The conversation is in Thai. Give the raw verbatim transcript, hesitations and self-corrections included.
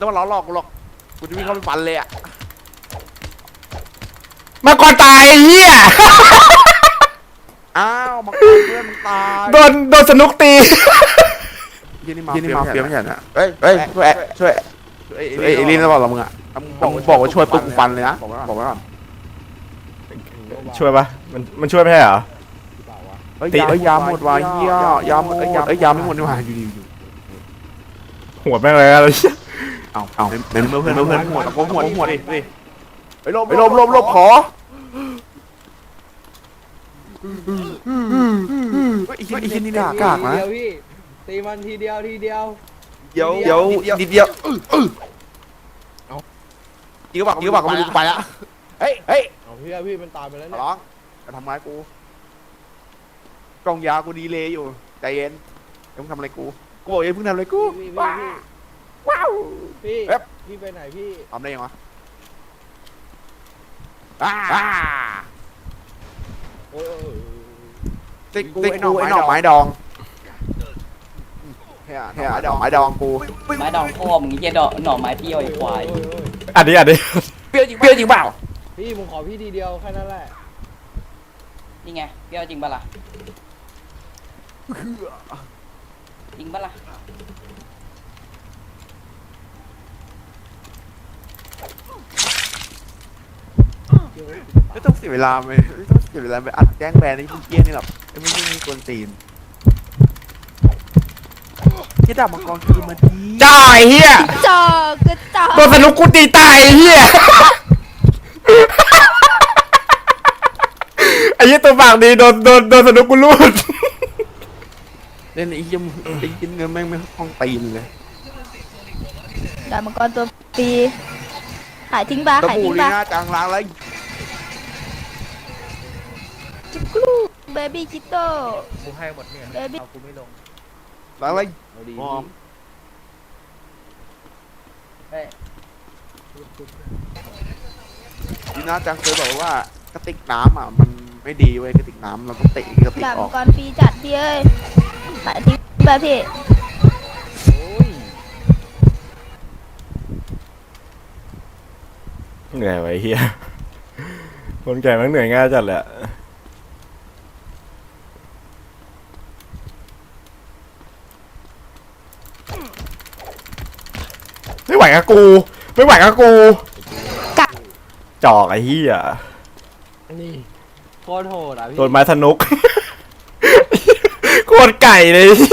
ต้องมาล้อหลอกกูหรอกกูจะวิ่งเข้าไปฟันเลยอ่ะมาก่อนตายไอ้เหี้ยอ้าวมาก่อนเพื่อนมึงตายโดนโดนสนุกตียี่นี่มายี่นี่มาเฟียไม่ใช่นะเฮ้ยเฮ้ยช่วยช่วยเอ้ยเอลินจะบอกเรามึงอ่ะบอกบอกว่าช่วยปุ๊บกูฟันเลยนะบอกว่าบอกว่าช่วยปะมันมันช่วยไม่ใช่เหรอเฮ้ยยายาหมดว่ะเฮียยาหมดเอ้ยยาเอ้ยยาไม่หมดนี่หว่าอยู่อยู่หัวแม่งเลยอะไรเอาเอาเป็นเพื่อนเพื่อนเพื่อนหัวตะโกนหัวหัวดิดิไปลบไปลบลบลบขออีกทีอีกทีนี่กากากนะตีมันทีเดียวทีเดียวเดี๋ยวเดี๋ยวนิดเดียวยิงก็บอกยิงก็บอกก็ไม่รู้ไปละเฮ้ยเฮ้ยเอาพี่พี่มันตายไปแล้วเนี่ยร้องจะทำร้ายกูกล่องยากูดีเลยอยู่ใจเย็นอย่าเพิ่งทำอะไรกูกูบอกอย่าเพิ่งทำอะไรกูว้าวว้าวพี่พี่ไปไหนพี่ทำได้ยังวะอ่าโอ้ติ๊กติ๊กกูไอ้หน่อไม้ดองเฮียเฮียดอกไม้ดองกูไม้ดองพ่อมึงเหี้ยดอกหน่อไม้เปรี้ยวไอ้ควายอันนี้อันนี้เปรี้ยวจริงเปรี้ยวจริงเปล่าพี่มึงขอพี่ทีเดียวแค่นั้นแหละนี่ไงเปรี้ยวจริงปะล่ะจริงปะล่ะไม่ต้องเสียเวลาไหมไม่ต้องเสียเวลาไปอัดแจ้งแบนไอ้พวกเกี้ยนี่หรอกไอ้พวกนี้มีกวนตีนที่ดาบมังกรคือมาดีจ้าไอ้เหี้ยจอกกระจอกโดนสนุกกูตีตายไอ้เหี้ยไอ้เหี้ยตัวปากดีโดนโดนโดนสนุกกูรูดเล่นไอ้เหี้ยไอ้กินเงินแม่งไม่คล่องตีนเลยดาบมังกรตัวปีหายทิ้งปะตะหายปูทิ้งลีปะน่าจังล้างแล้วจุกลูเบบี้คิโต้กูให้หมดเนี่ยเบบี้เอากูไม่ลงล้างแล้วเอาดีมอมเฮ้ยลีน่าจังเคยบอกว่ากระติกน้ำอ่ะมันไม่ดีเว้ยกระติกน้ำเราต้องเตะกระติกดาบอมัอง กกรปีจัดพี่เอ้ยหายทิ้งปะพี่โอ้ยเหนื่อยไว้เหี้ยคนแก่มันเหนื่อยง่ายจัดแหละไม่ไหวกับกูไม่ไหวกับกูจอกไอ้เหี้ยนี่โคตรโหดอ่ะพี่โดนไม้สนุก โคตรไก่เลย